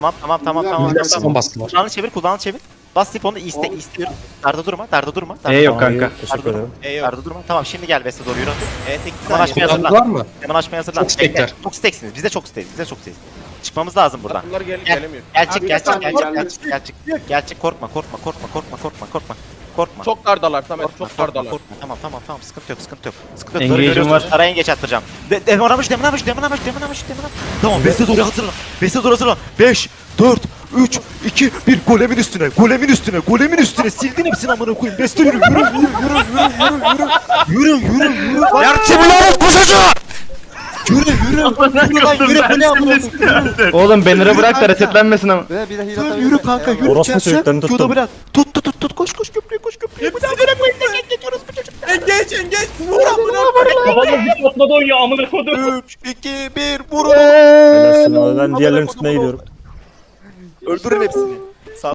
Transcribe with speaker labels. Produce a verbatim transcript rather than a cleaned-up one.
Speaker 1: Tamam tamam tamam tamam.
Speaker 2: Millet
Speaker 1: tamam.
Speaker 2: son bastılar.
Speaker 1: Kulağını çevir, kulağını çevir. Bas sifonu iste istiyorum. Darda durma, darda durma. Darda
Speaker 3: E yok
Speaker 1: durma.
Speaker 3: kanka.
Speaker 4: Teşekkür ederim.
Speaker 1: E yok. Darda durma. Tamam şimdi gel Beste doğru yürü.
Speaker 5: E sekiz
Speaker 1: Hemen
Speaker 5: saniye.
Speaker 1: açmaya
Speaker 2: Kullandılar
Speaker 1: hazırlan.
Speaker 2: mı?
Speaker 1: Hemen açmaya hazırlan.
Speaker 2: Çok stekler.
Speaker 1: Çok steksiniz. Biz de çok steyiz. Biz de çok steyiz. Çıkmamız lazım buradan.
Speaker 5: Bunlar gel
Speaker 1: Gel.
Speaker 5: gelemiyor.
Speaker 1: Gerçek, gerçek,
Speaker 4: Abi,
Speaker 1: gerçek,
Speaker 4: abi,
Speaker 1: gerçek, gerçek, gerçek. Korkma, korkma, korkma, korkma, korkma, korkma. Korkma.
Speaker 5: Çok dardalar Samet,
Speaker 1: Korkma,
Speaker 5: çok
Speaker 1: korkma,
Speaker 5: dardalar.
Speaker 1: korkma. Tamam tamam tamam sıkıntı yok sıkıntı yok. Sıkıntı yok.
Speaker 3: Engage'im
Speaker 1: Doğru görüyorsunuz.
Speaker 3: var.
Speaker 1: Araya geç attıracağım. De demanamış demanamış demanamış demanamış demanamış. Tamam Beste doğru hazırlan. Beste doğru hazırlan. beş, dört, üç, iki, bir golemin üstüne. Golemin üstüne. Golemin üstüne. Sildin hepsini amına koyayım. Beste yürü yürü yürü yürü yürü yürü yürü yürü yürü. Gerçi bu lanet koşucu. Yürü yürü. Yürü lan yürü. Bu ne amına koyayım?
Speaker 3: Oğlum banner'ı bırak da resetlenmesin ama.
Speaker 4: Bir de bir de heal
Speaker 1: Yürü,
Speaker 4: atabilir
Speaker 1: yürü
Speaker 4: miyim?
Speaker 1: kanka
Speaker 4: Eyvallah.
Speaker 1: yürü.
Speaker 4: Orospu
Speaker 1: Çarşı,
Speaker 4: çocuklarını tuttum.
Speaker 1: Q'da bırak. Tut tut tut tut koş koş köprüye koş köprüye. Bu da böyle koyun. Geç geçiyoruz bu çocuk.
Speaker 5: Engeç engeç. Vur amına.
Speaker 6: Kafamda bir patladı oynuyor amına kodum.
Speaker 1: üç, iki, bir vurun.
Speaker 4: Helalsin abi, ben diğerlerinin üstüne gidiyorum.
Speaker 1: Öldürün hepsini.